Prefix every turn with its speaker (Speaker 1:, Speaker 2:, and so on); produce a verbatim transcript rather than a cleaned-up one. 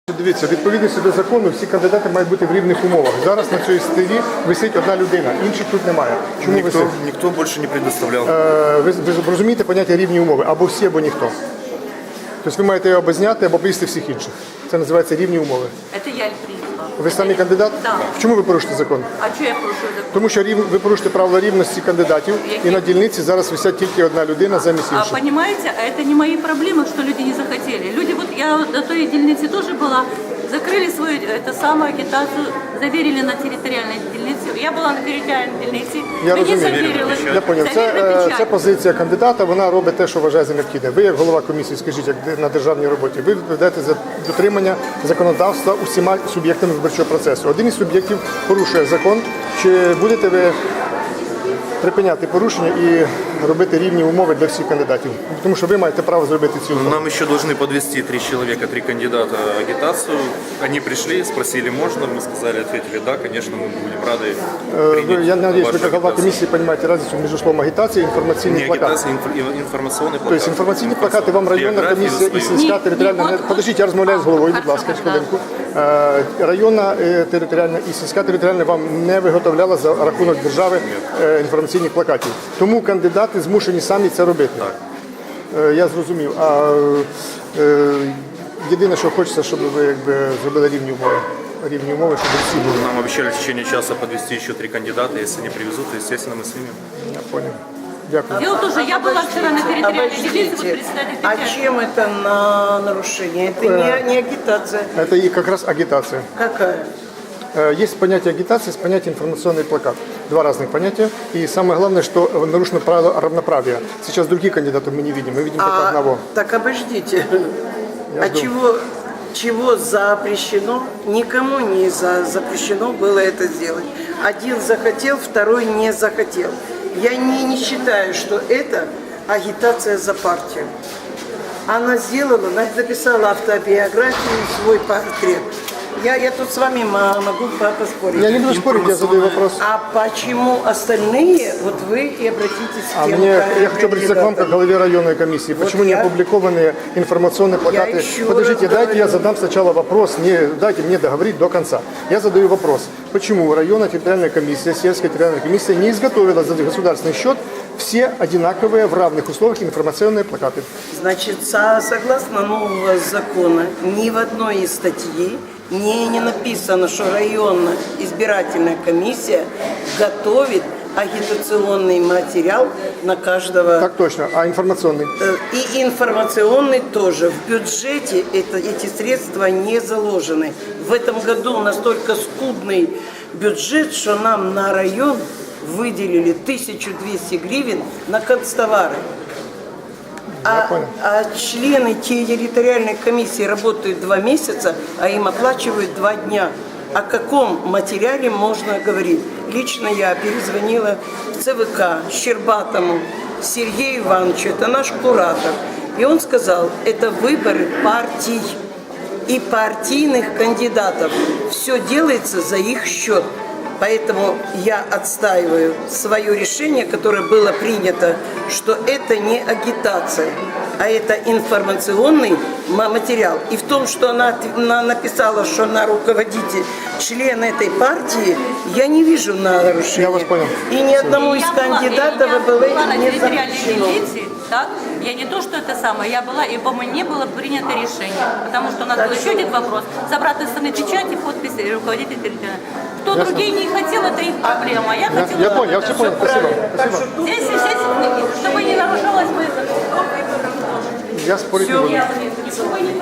Speaker 1: Дивіться, відповідності до закону всі кандидати мають бути в рівних умовах. Зараз на цій стелі висить одна людина, інших тут немає. Чому
Speaker 2: Никто,
Speaker 1: висить?
Speaker 2: никто больше не предоставлял.
Speaker 1: Е, ви, ви розумієте поняття рівні умови? Або всі, або ніхто. Тобто ви маєте або зняти, або повісти всіх інших. Це називається рівні умови.
Speaker 3: Это я принесла.
Speaker 1: Ви самі кандидат?
Speaker 3: Да.
Speaker 1: Чому ви порушите закон?
Speaker 3: А что я порушила закон?
Speaker 1: Тому що рів... ви порушите правила рівності кандидатів, і на дільниці зараз висять тільки одна людина замість
Speaker 3: А
Speaker 1: інших.
Speaker 3: понимаете, а это не мои проблемы, что люди не захотели. Люди, вот я на той дельнице тоже была, закрыли свою это самую агитацию, заверили на территориальной дельнице. Я была на территориальной дельнице,
Speaker 1: Я
Speaker 3: мені
Speaker 1: розумію.
Speaker 3: заверили.
Speaker 1: Я поняв. Це,
Speaker 3: Завірили
Speaker 1: е,
Speaker 3: печать.
Speaker 1: це позиція кандидата, вона робить те, що вважає за необхідне. Ви, як голова комісії, скажіть, як на державній роботі, ви ведете за дотримання законодавства усіма суб'єктами виборчого процесу. Один із суб'єктів порушує закон. Чи будете ви припиняти порушення і робити рівні умови для всіх кандидатів? Тому що ви маєте право зробити ці умови.
Speaker 2: Нам еще должны подвести три человека, три кандидата агитацию. Они пришли, спросили, можно, мы сказали, ответили, да, конечно, мы будем рады
Speaker 1: Е,
Speaker 2: принять
Speaker 1: ви- Я надіюсь, ви
Speaker 2: вашу
Speaker 1: як голова
Speaker 2: агитацию.
Speaker 1: комісії розумієте разницю між словом агітація і
Speaker 2: Не
Speaker 1: інформаційний плакат.
Speaker 2: агитация, инф- информационный плакат.
Speaker 1: Тобто інформаційні плакати вам районна
Speaker 2: Биографию
Speaker 1: комісія і
Speaker 2: свою.
Speaker 1: сільська
Speaker 3: Ні,
Speaker 1: територіальна...
Speaker 3: ні,
Speaker 1: не-
Speaker 3: от-
Speaker 1: Подождіть, я розмовляю з головою, будь
Speaker 3: Хорошо,
Speaker 1: ласка,
Speaker 3: да.
Speaker 1: хвилинку. Е, Районна е, територіальна і сільська територіальна вам не виготовляла за рахунок держави е, інформаційних плакатів. Тому кандидати змушені самі це робити.
Speaker 2: Так.
Speaker 1: Е, Я зрозумів. А е, єдине, що хочеться, щоб ви якби зробили рівні умови. Рівні умови, щоб всі були.
Speaker 2: Нам обещали в течение часа подвести еще три кандидата. Если они привезут, то, естественно, мы снимем.
Speaker 1: Я понял. Дякую.
Speaker 3: Дело тоже, я была вчера на территориальной дельнице, вот
Speaker 4: Обождите.
Speaker 3: председатель
Speaker 4: А
Speaker 3: печати.
Speaker 4: чем это на нарушение? Это не, не агитация.
Speaker 1: Это и как раз агитация.
Speaker 4: Какая?
Speaker 1: Э, Есть понятие агитации, есть понятие информационный плакат. Два разных понятия. И самое главное, что нарушено правило равноправия. Сейчас других кандидатов мы не видим, мы видим только
Speaker 4: А,
Speaker 1: одного.
Speaker 4: так обождите.
Speaker 1: Я
Speaker 4: а
Speaker 1: жду.
Speaker 4: чего, чего запрещено? Никому не за, запрещено было это сделать. Один захотел, второй не захотел. Я не, не считаю, что это агитация за партию. Она сделала, она написала автобиографию, свой портрет. Я, я тут с вами мо- могу по- поспорить.
Speaker 1: Я не буду спорить, я задаю вопрос.
Speaker 4: А почему остальные, вот вы и обратитесь к
Speaker 1: А
Speaker 4: тем
Speaker 1: мне,
Speaker 4: кандидатам.
Speaker 1: я хочу обратиться к вам, как главе районной комиссии. Почему не
Speaker 4: я-
Speaker 1: опубликованы информационные плакаты?
Speaker 4: еще
Speaker 1: Подождите,
Speaker 4: раз
Speaker 1: дайте я
Speaker 4: говорю.
Speaker 1: задам сначала вопрос, не, дайте мне договорить до конца. Я задаю вопрос. Почему районная территориальная комиссия, сельская территориальная комиссия не изготовила за государственный счет все одинаковые в равных условиях информационные плакаты?
Speaker 4: Значит, со- согласно нового закона, ни в одной из статей не, не написано, что районная избирательная комиссия готовит агитационный материал на каждого.
Speaker 1: Так точно. А информационный?
Speaker 4: Э, И информационный тоже. В бюджете это, эти средства не заложены. В этом году настолько скудный бюджет, что нам на район выделили тысячу двести гривен на канцтовары. А,
Speaker 1: понял.
Speaker 4: а члены территориальной комиссии работают два месяца, а им оплачивают два дня. О каком материале можно говорить? Лично я перезвонила в ЦВК Щербатому Сергею Ивановичу, это наш куратор. И он сказал, это выборы партий и партийных кандидатов. Все делается за их счет. Поэтому я отстаиваю свое решение, которое было принято, что это не агитация, а это информационный ма- материал. И в том, что она, от- она написала, что она руководитель, член этой партии, я не вижу нарушения.
Speaker 1: Я вас понял.
Speaker 4: И ни одному из
Speaker 3: Я была-
Speaker 4: кандидатов
Speaker 3: я
Speaker 4: было
Speaker 3: была на
Speaker 4: не
Speaker 3: территориальной
Speaker 4: запрещено.
Speaker 3: дельнице, так? Я не то, что это самое, я была, и, по-моему, не было принято решение. Потому что у нас был еще один вопрос. С обратной стороны печати, подписи руководителя территориальной. Кто
Speaker 1: Ясно.
Speaker 3: другие не хотел, это их проблема. А я
Speaker 1: Я,
Speaker 3: хотела...
Speaker 1: я понял, я все понял. Спасибо. Спасибо.
Speaker 3: Здесь, здесь, чтобы не нарушалось мои...
Speaker 1: Я спорить не буду.
Speaker 3: Чтобы не